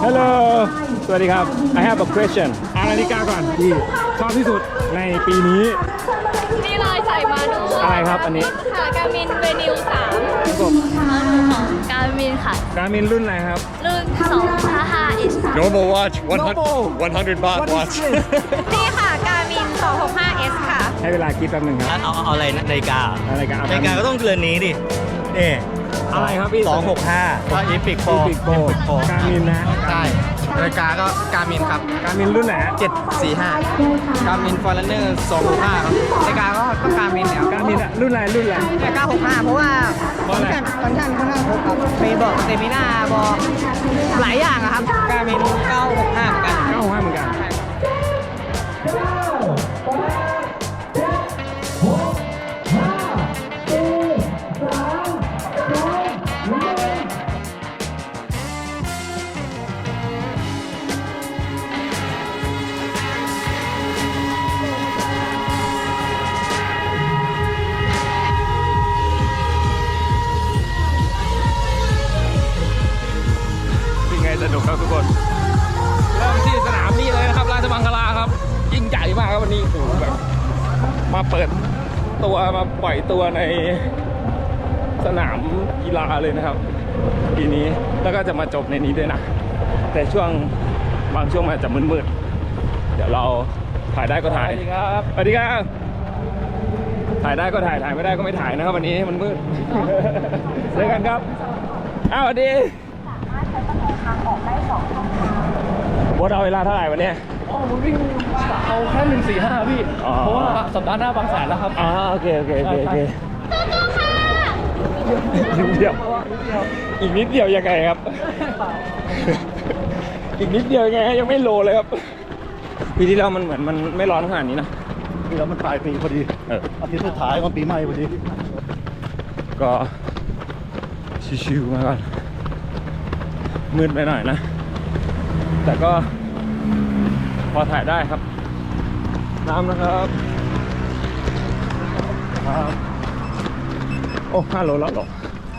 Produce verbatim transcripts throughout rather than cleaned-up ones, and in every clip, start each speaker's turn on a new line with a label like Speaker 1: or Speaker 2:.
Speaker 1: Hello สวัสดีครับ I have a question อ่านนาฬิกาก่อนที่ชอบที่สุดในปีนี้
Speaker 2: นี่เลยใส่มาดู
Speaker 1: อะไรครับอันนี้
Speaker 2: ค่ะการมินเวนิวสาม
Speaker 1: กบ
Speaker 2: มาดูของการมินค่ะ
Speaker 1: การมินรุ่นอะไรครับ
Speaker 2: รุ่นสองห้าห้า S
Speaker 3: Normal watch, one hundred,
Speaker 1: Normal.
Speaker 3: one hundred baht watch.
Speaker 2: นี่ค่ะการมินสองหกห้า S ค่ะ
Speaker 1: ให้เวลาคิดแป๊บหนึงครับ
Speaker 4: เอาเอาเอาอะไรนะนาฬิกา
Speaker 1: นาฬิกาเอา
Speaker 4: นาฬิกาก็ต้องเรือนนี้ดิ นี่
Speaker 1: อะไรครับพี่
Speaker 4: สองหกห้าก็อีพิกโฟ
Speaker 1: ปีกโปการมินนะ
Speaker 5: ใช่นาฬิกาก็การมินครับ
Speaker 1: การมินรุ่นไหนฮะ
Speaker 5: เจ็ดสี่ห้าการมินฟอร์เรนเนอร์สองหกห้าครับนาฬิกาก็ก็การมินเนี่ย
Speaker 1: การมินอะรุ่นอะไรรุ่นอะไร
Speaker 5: นาฬิกาหกห้าเพราะว่า
Speaker 1: เพราะอะไร
Speaker 5: ฟังก์ชันค่อนข้างครบครับมีบอกเซมินาบอกหลายอย่างอะครับการมินเก้าหกห้าเหมือนกัน
Speaker 1: เก้าห้าเหมือนกันเป็นไงสนุกครับทุกคน เริ่มที่สนามนี้เลยนะครับราชมังคลาครับยิ่งใหญ่มากครับวันนี้โอ้โหแบบมาเปิดตัวมาปล่อยตัวในสนามกีฬาเลยนะครับปีนี้แล้วก็จะมาจบในนี้ด้วยนะแต่ช่วงบางช่วงมันจะมืดๆเดี๋ยวเราถ่ายได้ก็ถ่ายสวัสดีครับสวัสดีครับถ่ายได้ก็ถ่ายถ่ายไม่ได้ก็ไม่ถ่ายนะครับวันนี้มันมืดเจอกันครับอ้าวสวัสดีบดเอาเวลาเท่าไหร่วันนี้
Speaker 6: เอาแค่หนึ่งสี่ห้าพี่
Speaker 1: อ๋อ
Speaker 6: เพราะว่าสัปดาห์หน้าบางแสนแล้วครับ
Speaker 1: อ๋อโอเคโอเคโอเคโอเคนิดเดียวอีกนิดเดียวยังไงครับ อีกนิดเดียวยังไงยังไม่โลเลยครับปีที่แล้วมันเหมือนมันไม่ร้อนขนาดนี้นะ
Speaker 6: นี่แล้วมันปลายปีพอดี
Speaker 1: เออ
Speaker 6: อาทิตย์สุดท้ายของปีใหม่พอดี
Speaker 1: ก็ชิวๆมาก่อนมืดไปหน่อยนะแต่ก็พอถ่ายได้ครับน้ำนะครับโอ้ห้าโลแล้วหรอ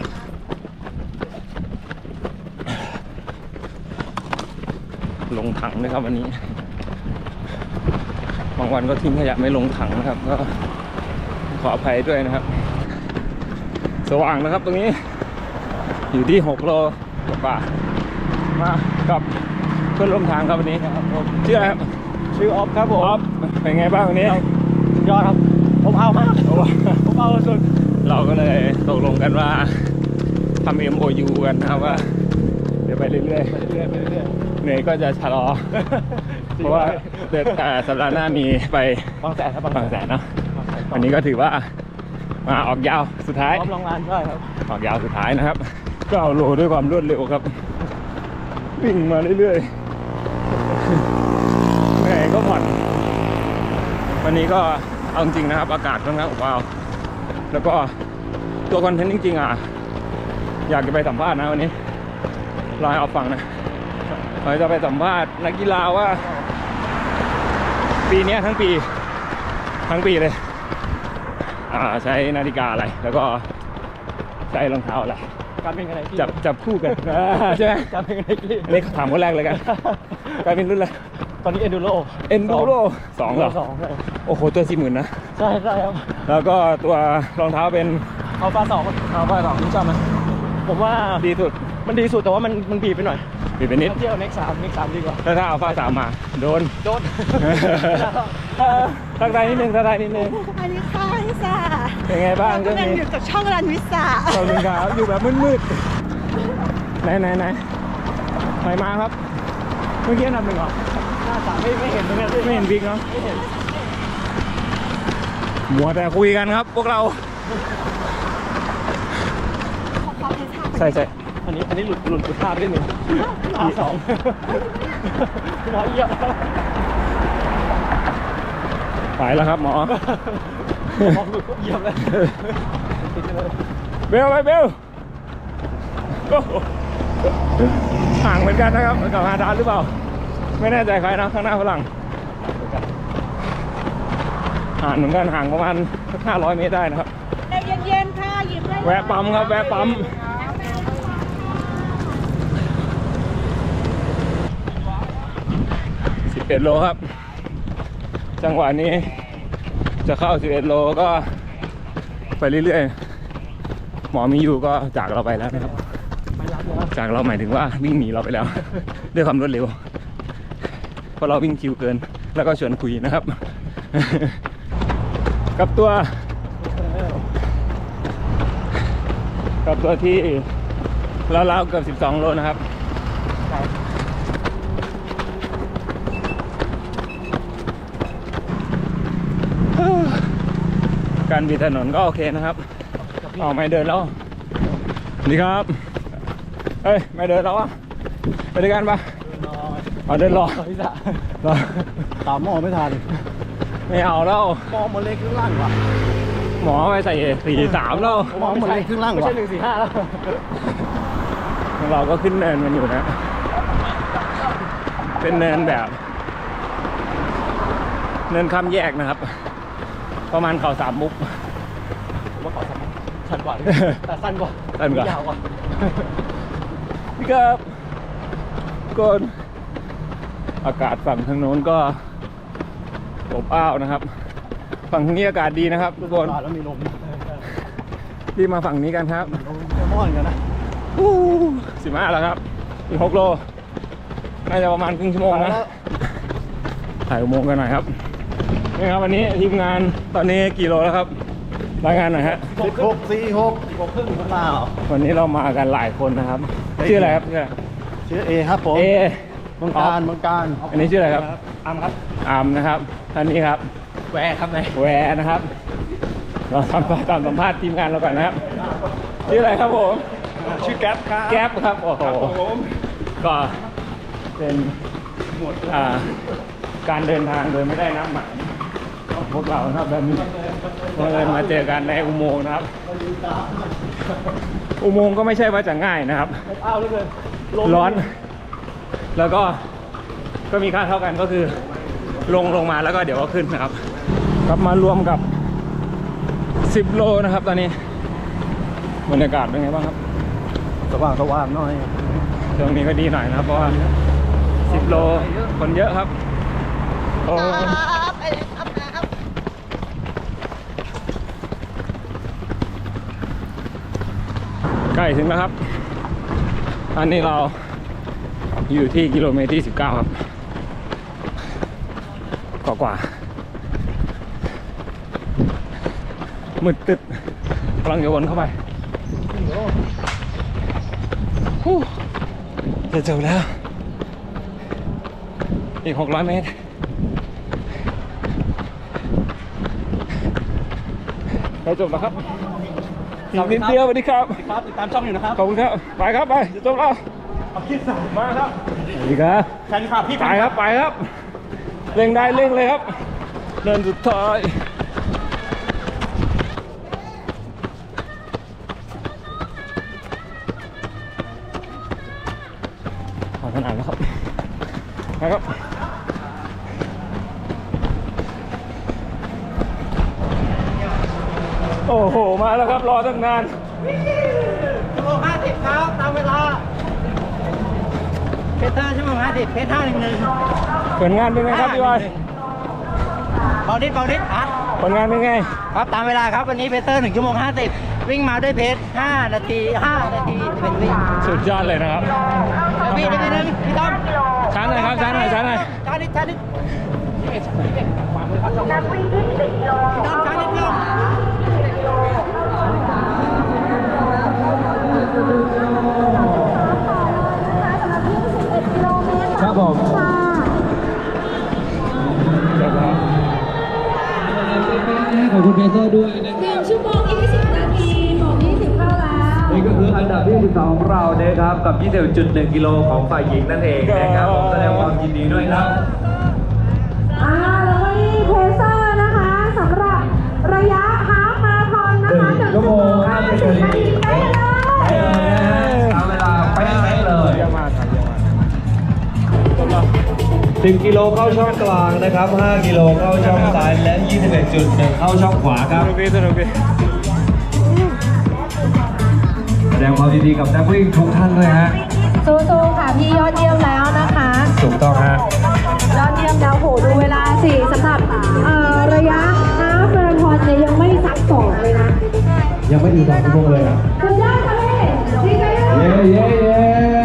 Speaker 1: ลงถังนะครับวันนี้บางวันก็ทิ้งขยะไม่ลงถังนะครับก็ขออภัยด้วยนะครับสว่างนะครับตรงนี้อยู่ที่หกโลกว่ามากับเพื่อนร่วมทางครับวันนี้ชื่ออะไรครับ
Speaker 6: ชื่อออฟครับผม
Speaker 1: ออฟเป็นไงบ้างวันนี้
Speaker 6: ยอดครับ ผมเอามากผมเอาสุด
Speaker 1: เราก็เลยตกลงกันว่าทำ เอ็ม โอ ยู กันนะครับว่าเดี๋ยวไปเรื่อย
Speaker 6: ไปเรื่อยไปเรื่อย
Speaker 1: ๆเหนื่อยก็จะชะลอ เพราะว่าเดือนแต่สัปดาห์หน้ามีไป
Speaker 6: บางแสนครับ
Speaker 1: บางแสนเนาะวันนี้ก็ถือว่ามาออกยาวสุดท้าย
Speaker 6: พร้อมลงงานได้ครับ
Speaker 1: ออกยาวสุดท้ายนะครับก็เอาโลด้วยความรวดเร็วครับวิ่งมาเรื่อยๆเหนื่อยก็ผ่อนวันนี้ก็เอาจริงนะครับอากาศค่อนข้างอบอ้าวแล้วก็ตัวคอนเทนต์จริงๆอ่ะอยากจะไปสัมภาษณ์นะวันนี้รอให้เอาฟังนะเราจะไปสัมภาษณ์นักกีฬาว่าปีนี้ทั้งปีทั้งปีเลยอ่าใช้นาฬิกาอะไรแล้วก็ใช้รองเท้าอะไร
Speaker 6: การเป็นกันไหนพี่
Speaker 1: จับจับคู่กัน ใช่ไหม
Speaker 6: การเป็นกันไหนพี่
Speaker 1: เล็กถามคนแรกเลยกันการเป็นรุ่นอะไร
Speaker 6: ตอนนี้เอนดูโร
Speaker 1: เอ็นดูโรสองเหรอ
Speaker 6: สองใช่
Speaker 1: โอ้โหตัวสี่หมื่นนะ
Speaker 6: ใช่ใช่ครับ
Speaker 1: แล้วก็ตัวรองเท้าเป็น
Speaker 6: เอาฟ้าสอง
Speaker 1: อัลฟาสองนี่ชอบไหม
Speaker 6: ผมว่า
Speaker 1: ดีสุด
Speaker 6: มันดีสุดแต่ว่ามันมันบีบไปหน่อย
Speaker 1: บีบไปนิด
Speaker 6: ถ้าเที่ยวเน็กสามเน็กสามดีกว่า
Speaker 1: ถ้าถ้าอัลฟาสามมาโดน
Speaker 6: โดน
Speaker 1: ทักทายนิดนึงทักทายนิดนึง
Speaker 7: สวัสดีค่ะพี่สา
Speaker 1: เป็นไงบ้างช่วง
Speaker 7: กำลัง
Speaker 1: นี้
Speaker 7: อยู่กับช่องรันวิสา
Speaker 1: ขอบคุณครับอยู่แบบมืดๆไหนไหนไหนไหนมาครับเมื่อกี้อันดับหนึ่งเหรอ
Speaker 6: หน้าสามไม่ไม่เห็นเหมือนกันพี่
Speaker 1: ไม่เห็นบิ๊กเนาะ
Speaker 6: ไม่เห็น
Speaker 1: มัวแต่คุยกันครับพวกเราใช่ใช่
Speaker 6: อันนี้อันนี้หลุดหลุดหลุดภาพไปนิดนึงอาสองหมอเยี่ยม
Speaker 1: ไปแล้วครับหมอ
Speaker 6: มองหลุดก็เยี่ยมเลย
Speaker 1: เบลไปเบลโอ้โหห่างเหมือนกันนะครับกับฮาดานหรือเปล่าไม่แน่ใจใครนะข้างหน้าฝรั่งห่างเหมือนกันห่างประมาณห้าร้อยเมตรได้นะครับ
Speaker 7: เย็นๆค่ะหยิบได้
Speaker 1: แวะปั๊มครับแวะปั๊มเอ็ดโลครับจังหวะนี้จะเข้าสิบเอ็ดโลก็ไปเรื่อยๆหมอมีอยู่ก็จากเราไปแล้วนะครับจากเราหมายถึงว่าวิ่งหนีเราไปแล้ว ด้วยความรวดเร็วเพราะเราวิ่งคิวเกินแล้วก็ชวนคุยนะครับ กับตัวกับตัวที่ราวๆเกือบสิบสองโลนะครับการบิดถนนก็โอเคนะครับอ๋อไม่เดินแล้วนี่ครับเฮ้ยไม่เดินแล้วอ่ะไปด้วยกันปะเอาเดินรอรอ
Speaker 6: ตามหมอไม่ทัน
Speaker 1: ไม่เอาแล้ว
Speaker 6: หมอมันเล็กครึ่งล่างว่ะ
Speaker 1: หมอไปใส่สี่สามแล้ว
Speaker 6: หมอมันเล็กครึ่งล่าง
Speaker 5: ไม่
Speaker 6: ว่ะ
Speaker 5: ใช่หนึ่งสี่ห้าแล้ว
Speaker 1: เราก็ขึ้นเนินมันอยู่นะ เป็นเนินแบบ เนินข้ามแยกนะครับ ประมาณเขาสามมุก
Speaker 5: ว่าขอสักชันกว่าแต่สั้นกว่า
Speaker 1: สั้นกว่า
Speaker 5: ยาวกว่า
Speaker 1: พี่ครับก่อนอากาศฝั่งทางโน้นก็อบอ้าวนะครับ ฝั่งทางนี้อากาศดีนะครับทุกคน
Speaker 6: แล้วมีลม
Speaker 1: รีบมาฝั่งนี้กันครับ
Speaker 6: จะม่อนกันนะ
Speaker 1: สิบห้าแล้วครับอีกหกโลน่าจะประมาณครึ่งชั่วโมงนะถ่ายอุโมงค์กันหน่อยครับนี่ครับวันนี้ทีมงานตอนนี้กี่โลแล้วครับรายงานหน่อยฮะ
Speaker 6: สิบหกสี่หกสิบหกครึ่งข้างหน้าเหรอ
Speaker 1: วันนี้เรามากันหลายคนนะครับชื่ออะไรครับชื่ออะไร
Speaker 6: ชื่อเอครับผม
Speaker 1: เอ
Speaker 6: เมืองการเมืองการ
Speaker 1: อันนี้ชื่ออะไรครับ
Speaker 5: อามครับ
Speaker 1: อามนะครับท่านนี้ครับ
Speaker 5: แหวครับนาย
Speaker 1: แวร์นะครับเราทำตามสัมภาษณ์ทีมงานเราก่อนนะครับชื่ออะไรครับผม
Speaker 6: ชื่อแก๊ปครับ
Speaker 1: แก๊ปครับโอ้โหก็เป็นอ่าการเดินทางโดยไม่ได้นัดหมายของพวกเรานะครับแบบนี้บังเอิญมาเจอกันในอุโมงค์นะครับ อุโมงค์ก็ไม่ใช่ว่าจะง่ายนะครับ
Speaker 5: อ้าวเลย
Speaker 1: ร้อน แล้วก็ก็มีค่าเท่ากันก็คือลงลงมาแล้วก็เดี๋ยวก็ขึ้นนะครับกลับมารวมกับสิบโลนะครับตอนนี้บรรยากาศเป็นไงบ้างครับ
Speaker 6: สว่างสว่างหน่อย
Speaker 1: ช่วงนี้ก็ดีหน่อยนะครับเพราะว่าสิบโลคนเยอะครับโอ้ใกล้ถึงแล้วครับอันนี้เราอยู่ที่กิโลเมตรที่สิบเก้าครับกว่ากว่ามืดตึ๊ดกำลังจะวนเข้าไปฮู้จะจบแล้วอีกหกร้อยเมตรเราจบแล้วครับอีกนิดเดียวสวัสดีครับ
Speaker 6: ครับติดตามช่องอยู่นะครับ
Speaker 1: ขอบคุณครับไปครับไปจะจบแล้ว
Speaker 6: เอาคิดสามมาครับ
Speaker 1: สวัสดีครับ
Speaker 6: แฟนคลับพี่
Speaker 1: ไปครับไปครับเร่งได้เร่งเลยครับเดินสุดท้ายขอขนาดแล้วครับไปครับโอ้โหมาแล้วครับรอตั้งนาน
Speaker 5: ชั่วโมงห้าสิบครับตามเวลาเพชรห้าชั่วโมงห้าสิบเพชรห้าหนึ่งหนึ่ง
Speaker 1: ผลงานเป็นไงครับพี่บอย
Speaker 5: เบาดิดเบาดิดอ่ะ
Speaker 1: ผลงานเป็นไง
Speaker 5: ครับตามเวลาครับวันนี้เพชรเตอร์หนึ่งชั่วโมงห้าสิบวิ่งมาด้วยเพชรห้านาทีห้านาทีเป็นวิ่ง
Speaker 1: สุดยอดเลยนะครับ
Speaker 5: เดี๋ยวพี่นิดนึงพี่ต้อม
Speaker 1: ช้าหน่อยครับช้าหน่อยช้าหน่อย
Speaker 5: ช้านิดช้านิดพี่ต้อมช้านิดเดียว
Speaker 1: ครับผมขอบคุณเพเซอร์ด้วยนะ
Speaker 2: หนึ่งชั่วโมงยี่สิบนาทีหมอยี่สิบเข้าแล้ว
Speaker 8: นี่ก็คืออันดับที่สิบสองของเรานะครับกับ ยี่สิบจุดหนึ่ง กิโลของฝ่ายหญิงนั่นเองนะครับผมแสดงความยินดีด้วยครับ
Speaker 7: อ่าแล้วก็นี่เพเซอร์นะคะสำหรับระยะฮาล์ฟมาราธอนนะคะ
Speaker 8: หนึ่งชั่วโมงห้าสิบนาที
Speaker 7: ได้เลย
Speaker 8: ไปเลยนะฮะเอาเวลาไปไหนเลย
Speaker 1: เยี่ยมมากครับเยี่ยมมากจบแล้ว
Speaker 8: สิบกิโลเข้าช่องกลางนะครับห้ากิโลเข้าช่องซ้ายและ ยี่สิบเอ็ดจุดหนึ่ง เข้าช่องขวาค
Speaker 1: ส
Speaker 8: รับ
Speaker 1: นุกดีสนุกดี
Speaker 8: แสดงความยินดีกับนักวิ่งทุกท่านด้วยฮะ
Speaker 7: สู้ๆค่ะพี่ยอดเยี่ยมแล้วนะคะ
Speaker 8: ถูกต้องฮะ
Speaker 7: ยอดเยี่ยมแล้วเอ่อระยะฮาล์ฟมาราธอนเนี่ยยังไม่สักสองเลยนะ
Speaker 8: ยังไม่อยู่สองชั่วโมงเลยอ่ะ
Speaker 7: สุดยอดค่ะพี่ดีใจด้วย
Speaker 8: เย้เย้เย้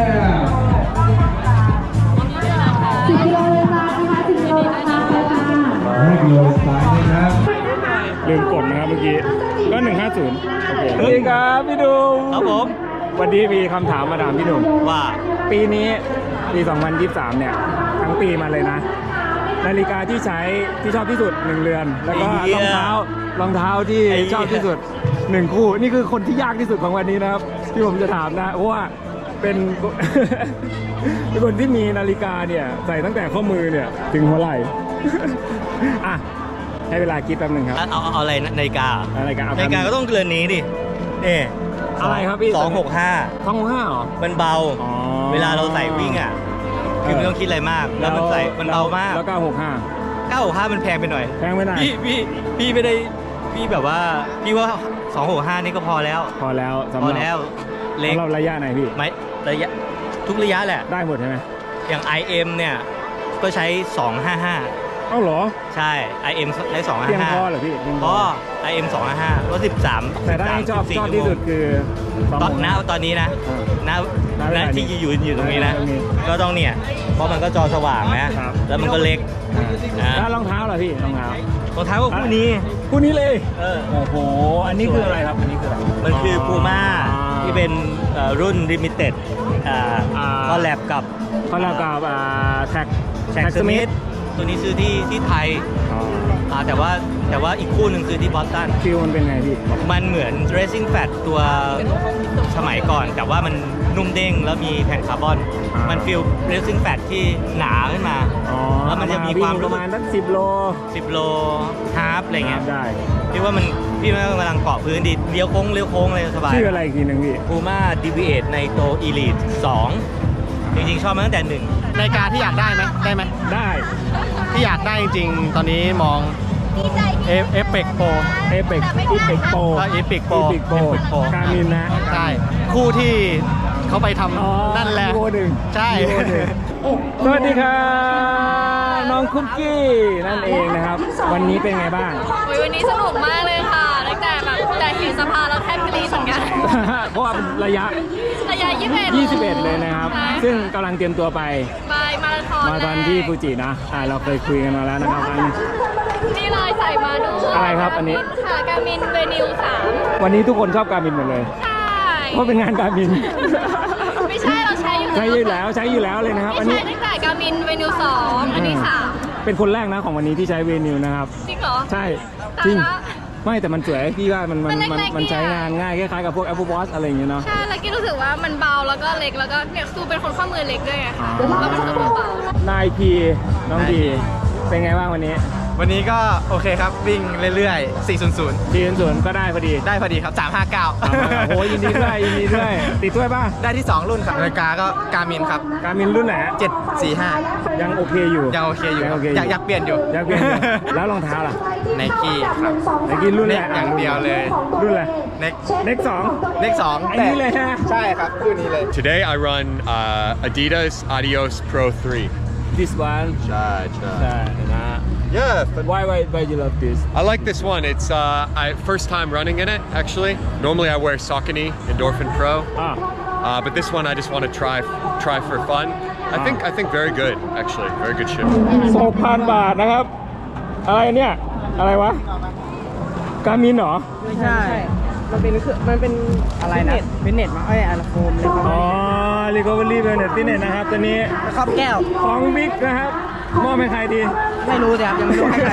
Speaker 7: สิบกิโลเลยค่ะนะคะสิบกิโลนะคะไปค่ะ
Speaker 8: ให้กิโลซ้ายนะครับ
Speaker 1: ลืมกดนะครับเมื่อกี้ ก็หนึ่งห้าศูนย์โอเคสวัสดีครับพี่ดุม
Speaker 4: ครับผม
Speaker 1: วันนี้มีคำถามมาถามพี่ดุม
Speaker 4: ว่า
Speaker 1: ปีนี้ปีสองพันยี่สิบสามเนี่ยทั้งปีมาเลยนะ นาฬิกาที่ใช้ที่ชอบที่สุดหนึ่งเรือน แล้วก็
Speaker 4: ไอ้เหี้
Speaker 1: ร
Speaker 4: ย
Speaker 1: องเท้ารองเท้าที่
Speaker 4: ไอ้เหี้ย
Speaker 1: ชอบที่สุดหนึ่งคู่ นี่คือคนที่ยากที่สุดของวันนี้นะครับ ที่ผมจะถามนะเพราะว่าเป็น เป็นคนที่มีนาฬิกาเนี่ยใส่ตั้งแต่ข้อมือเนี่ยถึงหัวไหล่ อ่ะให้เวลาคิดแป๊บหนึ่งครับ
Speaker 4: เอาเอาเอาอะไรนะนาฬิกา
Speaker 1: นาฬิกาเอา
Speaker 4: นาฬิกาก็ต้องเรือนนี้ดินี่
Speaker 1: อะไรครับพี่
Speaker 4: สองหกห้า
Speaker 1: สองหกห้าเหรอ
Speaker 4: มันเบา
Speaker 1: อ๋อ
Speaker 4: เวลาเราใส่วิ่งอ่ะ คือไม่ต้องคิดอะไรมาก แล้วมันใส่มันเบามาก
Speaker 1: แล้วเก้าหกห้า
Speaker 4: เก้าหกห้ามันแพงไปหน่อย
Speaker 1: แพงไปหน่อย
Speaker 4: พี่พี่พี่ไม่ได้พี่แบบว่าพี่ว่าสองหกห้านี่ก็พอแล้ว
Speaker 1: พอแล้วสำ
Speaker 4: พ
Speaker 1: ห
Speaker 4: อ
Speaker 1: รับ
Speaker 4: แล้วเล็ก
Speaker 1: สำหรับระยะไหนพี่
Speaker 4: ไหมระยะทุกระยะแหละ
Speaker 1: ได้หมดใช่ไหม
Speaker 4: อย่าง ไอ เอ็ม เนี่ย ก็ใช้สองห้าห้า
Speaker 1: เอ้าเหรอ
Speaker 4: ใช่ ไอ เอ็ม ใช้สองห้า
Speaker 1: เพียง
Speaker 4: ห้า
Speaker 1: พอเหรอพี่เพียง
Speaker 4: พอ ไอ เอ็ม สองห้าห้าก็สิบสาม
Speaker 1: แต่ได้ชอบชอบที่สุดคือสอง
Speaker 4: ตอน
Speaker 1: หก
Speaker 4: ณ
Speaker 1: ห้า
Speaker 4: ตอนนี้นะ
Speaker 1: เออ
Speaker 4: ณ
Speaker 1: ณเว
Speaker 4: ณ
Speaker 1: ลานี้
Speaker 4: ที่ยืนอยู่ตรงนี้นะ
Speaker 1: ตรงนี้
Speaker 4: ก็ต้องเนี่ย เพราะมันก็จอสว่างนะ
Speaker 1: ครับ
Speaker 4: แล้วมันก็เล็ก
Speaker 1: อ่า
Speaker 4: นะ
Speaker 1: แล้วรองเท้าเหรอพี่รองเท้าร
Speaker 4: องเท้าก็คู่นี้
Speaker 1: คู่นี้เลย
Speaker 4: เออ
Speaker 1: โอ้โหอันนี้คืออะไรครับอันนี้คืออะไร
Speaker 4: มันคือพูม่าที่เป็นเอ่อรุ่นลิมิเต็ด
Speaker 1: อ่า
Speaker 4: คอลแลบกับ
Speaker 1: เขาเรียกกับอ่าแท็ก
Speaker 4: แท็กสมิธตัวนี้ซื้อที่ที่ไทย
Speaker 1: อ๋อ
Speaker 4: อ่าแต่ว่าแต่ว่าอีกคู่หนึ่งคือที่บอสตัน
Speaker 1: ฟิลมันเป็นไงพี่
Speaker 4: มันเหมือน racing fat ตัวสมัยก่อน แต่ว่ามันนุ่มเด้งแล้วมีแผ่นคาร์บอน
Speaker 1: อ่ามั
Speaker 4: มันฟีล racing fat ที่หนาขึ้นมา
Speaker 1: อ๋อ
Speaker 4: แล้วมันจะมีความ
Speaker 1: ป
Speaker 4: รู้
Speaker 1: ระมาณสักสิบโล
Speaker 4: สิบโลฮาร์ฟอะไรเงี้ย
Speaker 1: ได้
Speaker 4: พี่ว่ามันพี่ว่ากำลังเกาะพื้นดีเลี้ยวโค้งเลี้ยวโค้งเลยสบาย
Speaker 1: ชื่ออะไรอีกทีหนึ่งพี่
Speaker 4: พูม่า ดี วี เอท ในโต Elite สองจริงๆ ชอบมาตั้งแต่หนึ่ง
Speaker 5: นาฬิกาที่อยากได้ไหมได้ไหม
Speaker 1: ได้
Speaker 5: ที่อยากได้จริงๆ ตอนนี้มองเอฟเอฟเฟกโปร
Speaker 1: เอเปกอีเปกโป
Speaker 5: ก็อีพิกโปร
Speaker 1: อีเปกโปการมินนะ
Speaker 5: ใช่คู่ที่เขาไปท
Speaker 1: อ๋อ
Speaker 5: ำนั่นแหละ
Speaker 1: อีโวหนึ่ง
Speaker 5: ใช่
Speaker 1: อีโวหนึ่งสวัสดีครับน้องคุกกี้นั่นเองนะครับ วันนี้เป็นไงบ้าง
Speaker 2: โอ้ยวันนี้สนุกมากเลยค่ะตั้งแต่แบบแต่เห็นสภาเราแทบกรี๊ดเหมือนกัน
Speaker 1: เพราะว่าเป็นระยะ
Speaker 2: ระยะยี่สิบเอ็ด
Speaker 1: ยี่สิบเอ็ดเลยนะครับ
Speaker 2: ใช่
Speaker 1: ซึ่งกำลังเตรียมตัวไป
Speaker 2: ไปมาราธอน
Speaker 1: มาตอนที่ฟูจินะอ่าเราเคยคุยกันมาแล้วนะครับอันนี้
Speaker 2: นี่เลยใส่มาดู
Speaker 1: อะไรครับอันนี้
Speaker 2: ค่ะการมินเวนิวสาม
Speaker 1: วันนี้ทุกคนชอบการมินหมดเลย
Speaker 2: ใช่
Speaker 1: เพราะเป็นงานการมิน
Speaker 2: ไม่ใช่เราใช้อยู่
Speaker 1: ใช้อยู่แล้วใช้อยู่แล้วเลยนะครับ อัน
Speaker 2: ไม่
Speaker 1: นี้
Speaker 2: ใช่ตั้งแต่การมินเวนิวสองอันนี้สาม
Speaker 1: เป็นคนแรกนะของวันนี้ที่ใช้เวนิวนะครับ
Speaker 2: จริงเหรอ
Speaker 1: ใช่
Speaker 2: ตายละ
Speaker 1: จริงไม่แต่มันสวยพี่ว่ามันมัน
Speaker 2: มัน
Speaker 1: มัน
Speaker 2: เล็กๆ
Speaker 1: มันใช้
Speaker 2: เนี่ย
Speaker 1: งานง่ายคล้ายๆกับพวก Apple Watch อะไรอย่างเงี้ยเนาะ
Speaker 2: ใช่แล้วกี้รู้สึกว่ามันเบาแล้วก็เล็กแล้วก็เนี่ยซูเป็นคนข้อมือเล็กด้วยไงค่ะแล้วมันรู้สึกว่าเบา
Speaker 1: นายพีน้องพีเป็นไงบ้างวันนี้
Speaker 5: วันนี้ก็โอเคครับ วิ่งเรื่อยๆ สี่ศูนย์ศูนย์
Speaker 1: ทีนสวนก็ได้พอดี
Speaker 5: ได้พอดีครับ สามห้าเก้า
Speaker 1: โอ้โหยินดีด้วยยินดีด้วยติดถ้วยป่ะ
Speaker 5: ได้ที่ สอง รุ่นครับนาฬิกาก็การมินครับ
Speaker 1: การมินรุ่นไหนฮะ
Speaker 5: เจ็ดสี่ห้า
Speaker 1: ยังโอเคอยู่
Speaker 5: ยังโอเคอยู่
Speaker 1: ยังโอเค
Speaker 5: อยากอยากเปลี่ยนอยู่
Speaker 1: อยากเปลี่ยนอยู่แล้วรองเท้าล่ะ
Speaker 5: ไนกี้ครับ
Speaker 1: ไนกี้รุ่นอะไร
Speaker 5: เน็กอย่างเดียวเลย
Speaker 1: รุ่นอะไร
Speaker 5: เน็ก
Speaker 1: เน็กสอง
Speaker 5: เลขสอง
Speaker 1: ไอ้นี่เลยฮะ
Speaker 5: ใช่ครับคู่นี้เลย
Speaker 3: Today I run uh, Adidas Adios Pro three.
Speaker 1: this one
Speaker 3: Chai,
Speaker 1: ใช่นะ
Speaker 3: Yeah, but
Speaker 1: why why why you love this
Speaker 3: I like this one. It's uh, I first time running in it actually. Normally I wear Saucony Endorphin Pro,
Speaker 1: อ่า
Speaker 3: uh, but this one I just want to try try for fun. I think I think very good actually, very good shoe.
Speaker 1: สองพันบาทนะครับ อะไรเนี่ย อะไรวะ การมินเหรอ
Speaker 5: ไม่ใช่ มันเป็นคือมันเป็นอะไรนะเป็นเน็ตมาไอ้ยอะไรโฟมเลยครับ
Speaker 1: อ๋อ Recovery Wellness Fitness นะครับตัวนี้
Speaker 5: ครอบแก้ว
Speaker 1: ของบิ๊กนะครับมอบให้ใครดี
Speaker 5: ไม่รู้แต่ครับยังไม่รู้ให้ใคร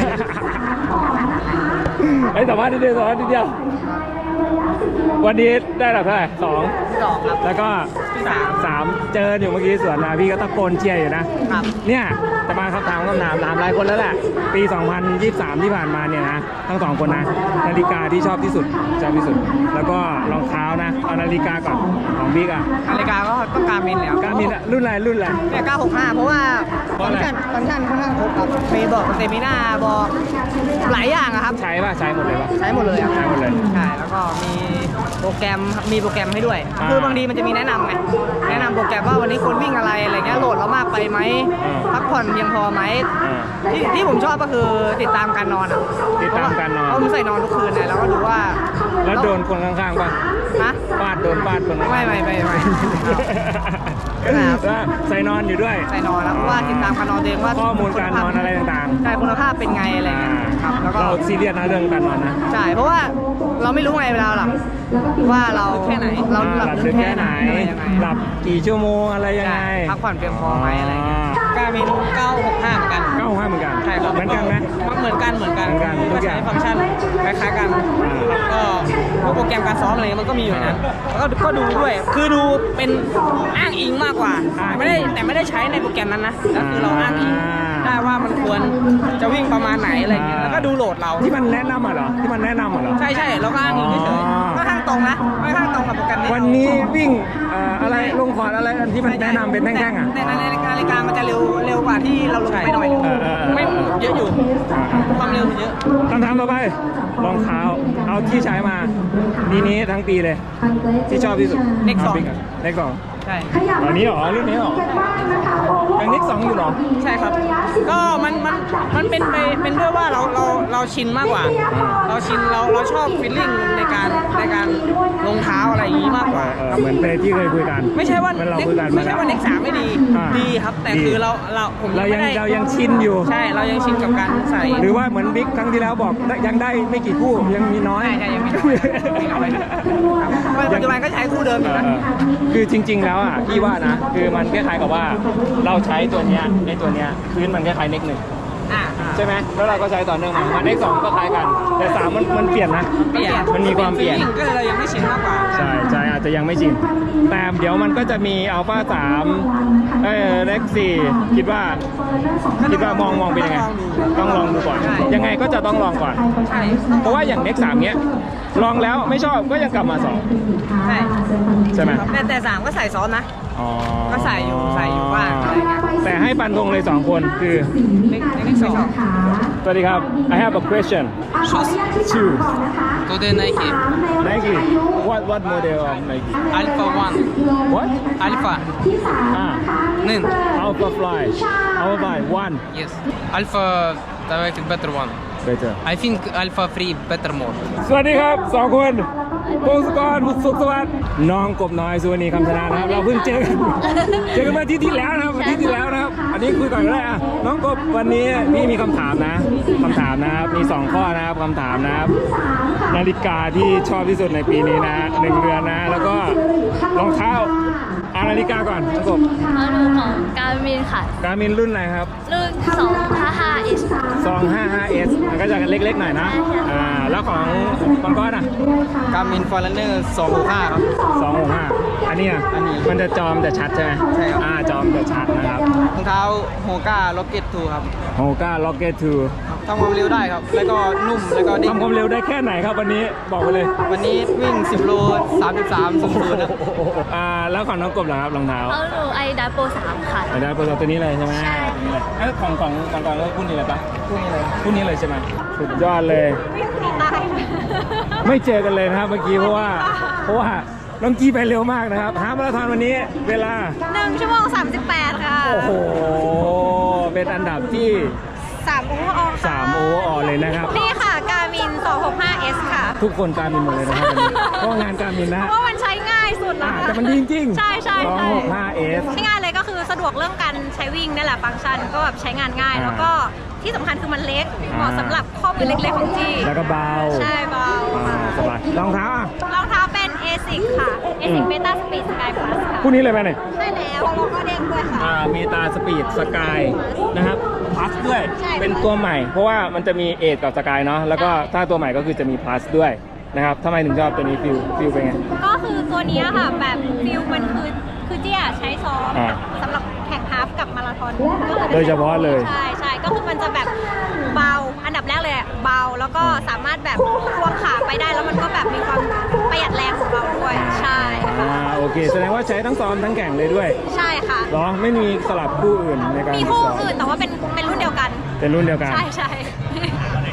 Speaker 1: ไอ้ยสัมภาษณ์นิดเดียวสัมภาษณ์นิดเดียววันนี้ได้หลักเท่าไหร่สอง
Speaker 5: สองครับ
Speaker 1: แล้วก็
Speaker 5: สาม
Speaker 1: สามเจออยู่เมื่อกี้สวนมาพี่ก็ตะโกนเชียร์อยู่นะ
Speaker 5: ครับ
Speaker 1: เนี่ยจะมาคำถามคำถามถามหลายคนแล้วแหละ ปี สองพันยี่สิบสาม ที่ผ่านมาเนี่ยนะ ทั้งสองคนนะ นาฬิกาที่ชอบที่สุดชอบที่สุด แล้วก็รองเท้านะ เอานาฬิกาก่อนของบิ๊กอะ
Speaker 5: นาฬิกาก็ต้องการมินแล้ว
Speaker 1: การมินอะรุ่นอะไรรุ่นอะไร
Speaker 5: เนี่ยเก้าหกห้าเพราะว่า
Speaker 1: เพ
Speaker 5: ฟั
Speaker 1: ราะ
Speaker 5: ง
Speaker 1: อะไร
Speaker 5: ก์ชันฟังก์ชันค่อนข้างครบครับมีบอกเซมินาบอกหลายอย่างอะครับ
Speaker 1: ใช้ป่ะใช้หมดเลยป่ะ
Speaker 5: ใช้หมดเลยอะ
Speaker 1: ใช้หมดเลย
Speaker 5: ใช่แล้วก็มีโปรแกรมมีโปรแกรมให้ด้วย
Speaker 1: อ่า
Speaker 5: คือบางทีมันจะมีแนะนำไงแนะนำโปรแกรมว่าวันนี้ควรวิ่งอะไรอะไรเงี้ยโหลดเรามากไปไหม
Speaker 1: อ่า
Speaker 5: พักผ่อนเพียงพอไหม
Speaker 1: อ่า
Speaker 5: ที่ที่ผมชอบก็คือติดตามการนอนอ่ะ
Speaker 1: ติดตามการนอน
Speaker 5: เพราะผมใส่นอนทุกคืนเลยแล้วก็ดูว่า
Speaker 1: แล้วโดนคนข้างๆป่ะ
Speaker 5: ฮะ
Speaker 1: ฟาดโดนฟาดคนข้างๆ
Speaker 5: ไม่ไม่ไม่ไม่
Speaker 1: แล้วใส่นอนอยู่ด้วย
Speaker 5: ใส่นอนแล้วเพราะว่าติดตามการนอนตัวเองว่า
Speaker 1: ข้อมูลการนอนอะไรต่างๆ
Speaker 5: ใช่คุณภาพเป็นไงอะไรเงี้ยครับแล้วก็
Speaker 1: เราซีเรียสนะเรื่องการนอนนะ
Speaker 5: ใช่เพราะว่าเราไม่รู้ไงเวลาหลับว่าเราแค่ไหนเรา
Speaker 1: อ่า
Speaker 5: หลับ
Speaker 1: หลับ
Speaker 5: ลึ
Speaker 1: ลึ
Speaker 5: ก
Speaker 1: ก
Speaker 5: แค่
Speaker 1: แค่
Speaker 5: ไห
Speaker 1: ไห
Speaker 5: น
Speaker 1: น
Speaker 5: อะไรยังไง
Speaker 1: หลับกี่ชั่วโมงอะไรยังไง
Speaker 5: ใช่พักผ่อนเพียงพอไหมอะไรเงี้ยการมินเก้าหกห้าเหมือนกัน
Speaker 1: เก้าห้าเหมือนกัน
Speaker 5: ใช่ครับ
Speaker 1: เหมือนกันไหม
Speaker 5: เหมือนกันเหมือนกัน
Speaker 1: เหมือนกันทุกอย่าง
Speaker 5: ใช้ฟังก์ชันคล้ายๆกันครับก็พวกโปรแกรมการซ้อมอะไรเงี้ยมันก็มีอยู่ในนั้นแล้วก็ก็ดูด้วยคือดูเป็นอ้างอิงมากกว่าแต่ไม่ได้แต่ไม่ได้ใช้ในโปรแกรมนั้นนะก็คือเราอ้างอิงได้ว่ามันควรจะวิ่งประมาณไหนอะไรเงี้ยแล้วก็ดูโหลดเรา
Speaker 1: ที่มันแนะนำอ่ะเหรอที่มันแนะนำอ่ะเหรอ
Speaker 5: ใช่ใช่เราก็อ้างอิงเฉย
Speaker 1: อ๋อ
Speaker 5: ๆค่อนข้างตรงนะค่อนข้างตรงกับโปรแกรมนี้
Speaker 1: วันนี้วิ่งเอ่ออะไรลงคอร์ดอะไรที่มันแนะนำเป็นแท่งๆอ่ะ
Speaker 5: ในในในนาฬิกามันจะเร็วเร็วกว่าที่เราลงไปหน่อยนึง
Speaker 1: เออเออเออ
Speaker 5: ไม่เยอะอยู่ความเร็วมันเยอะ
Speaker 1: คำถามต่อไปรองเท้าเอาที่ใช้มาปีนี้ทั้งปีเลย ที่ชอบที่สุด
Speaker 5: เน็กสอง
Speaker 1: เน็กสอง
Speaker 5: ใช่
Speaker 1: อันนี้เหรอรุ่นนี้เหรอยังเน็กสองอยู่เหรอ
Speaker 5: ใช่ครับ ก็มันมันมันเป็นไปเป็นด้วยว่าเราเราเราชินมากกว่า เราชินเราเราชอบฟีลลิ่งในการในการรองเท้าอะไรอย่างนี้มากกว่า
Speaker 1: เออเหมือนไปที่เคยคุยกัน
Speaker 5: ไม่ใช่ว่า
Speaker 1: เหมือนเรา
Speaker 5: เน็ก
Speaker 1: คุยกัน
Speaker 5: ไม่ใช่ว่าเน็กสามไม่ดี
Speaker 1: อ่า
Speaker 5: ดีครับ แต่
Speaker 1: ดี
Speaker 5: คือเราเราผม
Speaker 1: เรายัง
Speaker 5: ไม่ได้
Speaker 1: เรายังชินอยู่
Speaker 5: ใช่เรายังชินกับการใส่
Speaker 1: หรือว่าเหมือนบิ๊กครั้งที่แล้วบอกยังได้ไม่กี่คู่ยังมีน้อย
Speaker 5: ใช่ใช่ยังมีน้อยมีน้อยครับปัจจุบันก็ใช้คู่เดิมอยู่นะ
Speaker 1: เออคือจริง ๆ แล้วอ่ะพี่ว่านะ คือมันคล้ายๆกับว่าเราใช้ตัวเนี้ยในตัวเนี้ยพื้นมันคล้ายๆเน็กหนึ่ง
Speaker 5: อ่าอ่า
Speaker 1: ใช่ไหมแล้วเราก็ใช้ต่อเนื่องมามาเน็กสองก็คล้ายกัน แต่สามมันมันเปลี่ยนนะ
Speaker 5: เปลี่ยน
Speaker 1: มันมีความเปลี่ยน
Speaker 5: ก็เลยเรายังไม่ชินมากกว่า
Speaker 1: ใช่ใช่อาจจะยังไม่ชินแต่เดี๋ยวมันก็จะมีอัลฟาสามเออเล็กสี่คิดว่าคิดว่ามองมองเป็นยังไงต้องลองดูก่อน
Speaker 5: ใช่
Speaker 1: ยังไงก็จะต้องลองก่อน
Speaker 5: ใช่
Speaker 1: เพราะว่าอย่างเน็กสามเนี้ยลองแล้วไม่ชอบก็ยังกลับมาสอง
Speaker 5: ใช่
Speaker 1: ใช่ไหม
Speaker 5: แต่แต่สามก็ใส่ซ้อนนะ
Speaker 1: อ๋อ
Speaker 5: ก็ใส่อยู่ใส่อยู่บ้างอะไรเงี้ย
Speaker 1: แต่ให้ฟันธงเลยสองคนคือ
Speaker 5: เล็กเล็กสอง
Speaker 1: สวัสดีครับ I have a question shoes
Speaker 9: Today Nike
Speaker 1: Nike what what model of Nike
Speaker 9: Alpha One
Speaker 1: what
Speaker 9: Alpha
Speaker 1: อ่า
Speaker 9: Nin
Speaker 1: Alpha Fly Alpha Fly one
Speaker 9: Yes Alpha directly better one
Speaker 1: better
Speaker 9: I think Alpha Free better more
Speaker 1: สวัสดีครับสองคนพงศกรสุขสวัสดิ์น้องกบน้อยสุวรรณีคำชนะนะครับ เราเพิ่งเจอกันเจอกันเมื่ออาที่ที่แล้วนะครับอาทิตย์ที่แล้วนะครับ อันนี้คุยก่อนก็ได้อะน้องกบวันนี้พี่มีคำถามนะคำถามนะครับมีสองข้อนะครับคำถามนะครับนาฬิกาที่ชอบที่สุดในปีนี้นะหนึ่งเดือนนะ แล้วก็รองเท้าเอานาฬิกาก่อนน้องกบ
Speaker 2: เอาดูของการมินค่ะ
Speaker 1: การมินรุ่นอะไรครับ
Speaker 2: รุ่นสองห้าห้าเอส
Speaker 1: สองห้าห้าเอสมันก็จะเล็กๆหน่อยนะอ่าแล้วของของก้อนอ่ะ
Speaker 5: การมินฟอร์เรนเนอร์สองหกห้าครับ
Speaker 1: สองหกห้าอันนี้อ่ะ
Speaker 5: อันนี้
Speaker 1: มันจะจอมจะชัดใช่ไหม
Speaker 5: ใช่ครับ
Speaker 1: อ่าจอมจะชัดนะครับ
Speaker 5: รองเท้าโฮก้าล็อกเก็ตทูครับ
Speaker 1: โฮก้าล็อกเก็ตทู
Speaker 5: ทำความเร็วได้ครับ แล้วก็นุ่มแล้วก็ดิ้ง
Speaker 1: ทำความเร็วได้แค่ไหนครับวันนี้บอกไปเลย
Speaker 5: วันนี้วิ่งสิบโลสามสิบสามศูนย์ศูนย์นะ
Speaker 1: อ่าแล้วของน้องกบเหรอครับรองเท้า
Speaker 2: เอาดูไอดับโปรสามค่ะ
Speaker 1: อันนี้เป็นตัวนี้เลยใช่ไหม
Speaker 2: ใช่
Speaker 1: ตัวนี้เลยเอ้ยของของของก่อนแล้วคู่นี้เลยปะคู่นี้เลยคู่นี้เลยใช่ไหมสุดยอดเลย ไม่เจอกันเลยนะครับเมื่อกี้เพราะว่าเพราะว่าน้องกี้ไปเร็วมากนะครับฮาล์ฟมาราธอนวันนี้เวลา
Speaker 2: หนึ่งชั่วโมงสามสิบแปดค่ะ
Speaker 1: โอ้โหเป็นอันดับที่
Speaker 2: สามโอเวอร์ออล
Speaker 1: สามโอเวอร์ออลเลยนะครับ
Speaker 2: นี่ค่ะการมินสองหกห้าเอสค่ะ
Speaker 1: ทุกคนการมินหมดเลยนะครับวันนี้เพราะงานการมินนะ
Speaker 2: เพราะว่ามันใช้ง่ายสุดแล้ว
Speaker 1: อ่า
Speaker 2: ค่ะ
Speaker 1: แต่มันดีจริงๆ
Speaker 2: ใช่ใช่
Speaker 1: สอง
Speaker 2: ใช่
Speaker 1: หกห้าเอส
Speaker 2: ใช้ง่ายเลยก็คือสะดวกเรื่องการใช้วิ่งนี่แหละฟังก์ชันก็แบบใช้งานง่าย
Speaker 1: อ่า
Speaker 2: แล้วก็ที่สำคัญคือมันเล็กเหมาะสำหรับข้อมือเล็กๆของจี
Speaker 1: แล้วก็เบา
Speaker 2: ใช่เบา
Speaker 1: อ่าสบายรองเท้าอ่ะ
Speaker 2: รองเท้าเป็น เอซิก ค่ะ เอซิก Beta Speed Sky Plus ค่ะ
Speaker 1: คู่นี้เลยไหมเนี่ย
Speaker 2: ใช่แล้วแล้วก็เด้งด้วยค่ะ
Speaker 1: อ่ามีตาสปีดสกายนะครับพลัสด้วย
Speaker 2: ใช่
Speaker 1: เป็นตัวใหม่ เพราะว่ามันจะมีเอทกับสกายเนาะแล้วก็ถ้าตัวใหม่ก็คือจะมีพลัสด้วยนะครับทำไมถึงชอบตัวนี้ฟิลฟิลเป็นไง
Speaker 2: ก็คือตัวเนี้ยค่ะแบบฟิลมันคือคือเจียใช้ซ้อม
Speaker 1: อ่า
Speaker 2: สำหรับแข่งฮาล์ฟกับมาราธอนก็คือ
Speaker 1: โดยเฉพาะเลย
Speaker 2: ใช่ใช่ก็คือมันจะแบบเบาอันดับแรกเลยอะเบาแล้วก็สามารถแบบควงขาไปได้แล้วมันก็แบบมีความประหยัดแรงของเราด้วยใช่ค่ะ
Speaker 1: อ่าโอเคแสดงว่าใช้ทั้งซ้อมทั้งแข่งเลยด้วย
Speaker 2: ใช่ค่ะ
Speaker 1: เหรอไม่มีสลับคู่อื่นในการ
Speaker 2: มีคู่
Speaker 1: ซ้อม
Speaker 2: อื่นแต่ว่าเป็นเป็นรุ่นเดียวกัน
Speaker 1: เป็นรุ่นเดียวกัน
Speaker 2: ใช่ใช่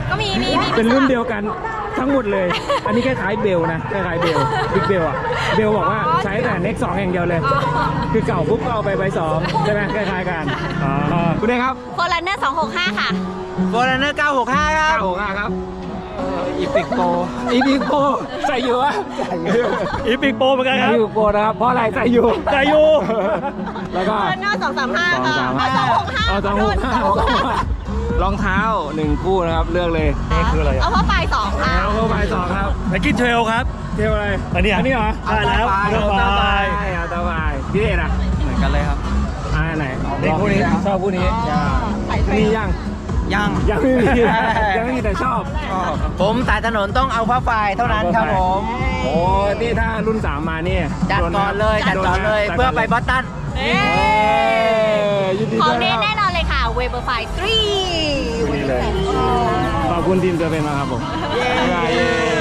Speaker 2: ก็มีมีมี
Speaker 1: เป็นรุ่นเดียวกันทั้งหมดเลย อันนี้คล้ายๆเบลนะคล้ายๆเบลบิ๊กเบลอะเบลบอกว่าใช้แต่เน็กสองอย่างเดียวเลย
Speaker 2: อ๋อ
Speaker 1: คือเก่าปุ๊บก็เอาไปใบสองใช่ไหมคล้ายๆกันอ๋อคุณเอกครับ
Speaker 2: โฟลันเนอร์สองหกห้าค่ะ
Speaker 5: โฟลันเนอร์เก้าหกห้าครับ
Speaker 1: เก้าหกห้าครับ
Speaker 5: อีพิกโป
Speaker 1: อีพิกโปใส่อยู่อะ
Speaker 6: อีพิกโปเหมือนกันครับ
Speaker 1: อีพิกโปนะครับเพราะอะไรใส่อยู่
Speaker 6: ใจอยู่
Speaker 1: แล้วก็
Speaker 2: โฟลันเนอร์สองสามห้า
Speaker 1: สอง
Speaker 2: ค่ะ
Speaker 1: สามห้า
Speaker 2: สองหกห้า
Speaker 1: เอาสองหกห้ารองเท้าหนึ่งคู่นะครับเลือกเลย
Speaker 6: นี่คืออะไร
Speaker 2: เอา
Speaker 6: อ่ะ
Speaker 2: เพราะปลายสองค่ะ
Speaker 1: แล้วเข้าไปสองครับ
Speaker 6: ไนกี้เทรลครับ
Speaker 1: เที่ยวอะไร
Speaker 6: อันนี้อ่ะ
Speaker 1: อันนี้เหรอ
Speaker 6: ได้แล้ว
Speaker 1: เอา
Speaker 6: เรือ
Speaker 1: ตา
Speaker 6: ไฟ
Speaker 1: บายเอาตาบายพี่เดชอ่ะ
Speaker 5: เหมือนกันเลยครับ
Speaker 1: อ่าไหน
Speaker 6: นี่คู่นี้
Speaker 1: ชอบคู่นี้นี่ยัง
Speaker 5: ยัง
Speaker 1: ยังไม่มียังไม่มีแต่ชอบ
Speaker 5: ผมสายถนนต้องเอาผ้าไฟเท่านั้นครับผม
Speaker 1: โอ้นี่ถ้ารุ่นสามมานี่
Speaker 5: จัดก่อนเลยจัดก่อนเลยเพื่อไปบอสตัน
Speaker 2: เอ้
Speaker 1: เอ้ยยินดี
Speaker 2: ข
Speaker 1: ด้
Speaker 2: อ
Speaker 1: ว
Speaker 2: ง
Speaker 1: ย
Speaker 2: เน้น
Speaker 1: ค
Speaker 2: แน่
Speaker 1: รับ
Speaker 2: นอนเลยค่ะ เวเบอร์ไฟทรี
Speaker 1: นี่เลยขอบคุณทีมเจอเป็นมากครับผมบ๊ายบาย